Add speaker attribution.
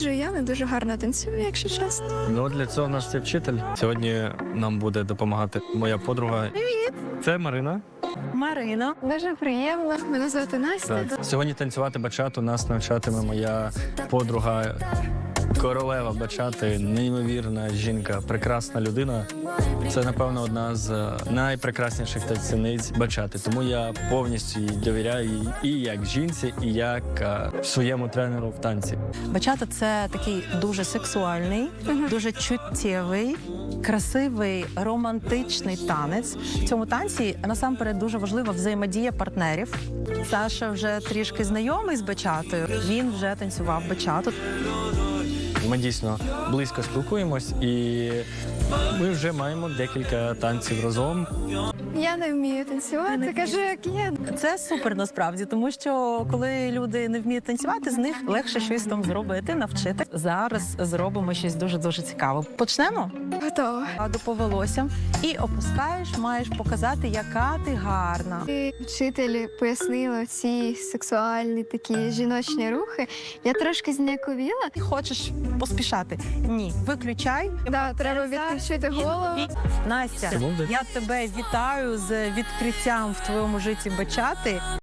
Speaker 1: Я не дуже гарно танцюю, якщо чесно.
Speaker 2: Ну, для цього в нас є вчитель. Сьогодні нам буде допомагати моя подруга.
Speaker 1: Привіт!
Speaker 2: Це Марина.
Speaker 3: Марина.
Speaker 1: Дуже приємно. Мене звати Настя.
Speaker 2: Так. Сьогодні танцювати бачату нас навчатиме моя подруга, королева бачати, неймовірна жінка, прекрасна людина. Це, напевно, одна з найпрекрасніших танцівниць бачати. Тому я повністю їй довіряю їй і як жінці, і як своєму тренеру в танці.
Speaker 3: Бачата – це такий дуже сексуальний, дуже чуттєвий, красивий, романтичний танець. В цьому танці насамперед дуже важлива взаємодія партнерів. Саша вже трішки знайомий з бачатою, він вже танцював бачату.
Speaker 2: Ми дійсно близько спілкуємось, і ми вже маємо декілька танців разом.
Speaker 1: Я не вмію танцювати, кажу, як є.
Speaker 3: Це супер насправді, тому що коли люди не вміють танцювати, з них легше щось там зробити, навчити. Зараз зробимо щось дуже-дуже цікаве. Почнемо?
Speaker 1: Готова.
Speaker 3: До по волоссям і опускаєш, маєш показати, яка ти гарна.
Speaker 1: Вчитель пояснила ці сексуальні такі жіночні рухи. Я трошки зніяковіла.
Speaker 3: Ти хочеш поспішати? Ні. Виключай.
Speaker 1: Да, треба відключити голову.
Speaker 3: Настя,
Speaker 2: Молодець.
Speaker 3: я тебе вітаю з відкриттям в твоєму житті бачати.